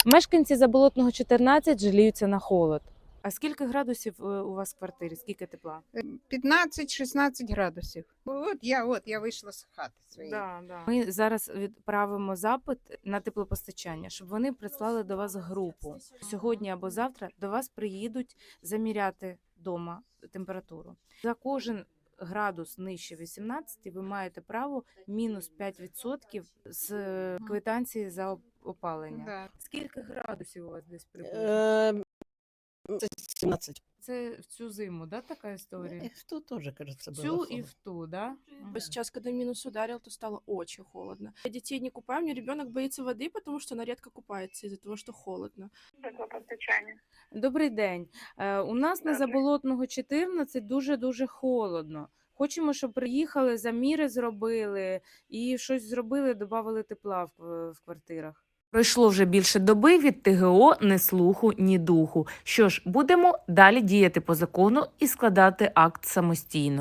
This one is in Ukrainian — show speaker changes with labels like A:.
A: Мешканці Заболотного 14 жаліються на холод. А скільки градусів у вас в квартирі? Скільки тепла?
B: 15-16 градусів. От я вийшла з хати своєї.
A: Ми зараз відправимо запит на теплопостачання, щоб вони прислали до вас групу. Сьогодні або завтра до вас приїдуть заміряти вдома температуру. За кожен градус нижче 18 ви маєте право мінус 5% з квитанції за опалення.
B: Да.
A: Скільки градусів у вас десь приблизно?
C: Це 17.
A: Це в цю зиму, да, така історія?
C: В ту тоже, кажется, было
A: Цю і
C: холодно.
A: в ту, да?
D: Сейчас, когда минус ударил, то стало очень холодно. Я детей не купаю, мне ребенок боится воды, потому что она редко купается из-за того, что холодно.
E: Теплопостачання.
A: Добрий день. У нас на Заболотного 14 дуже-дуже холодно. Хочемо, щоб приїхали, заміри зробили і щось зробили, додали тепла в квартирах. Пройшло вже більше доби, від ТГО ні слуху, ні духу. Що ж, будемо далі діяти по закону і складати акт самостійно.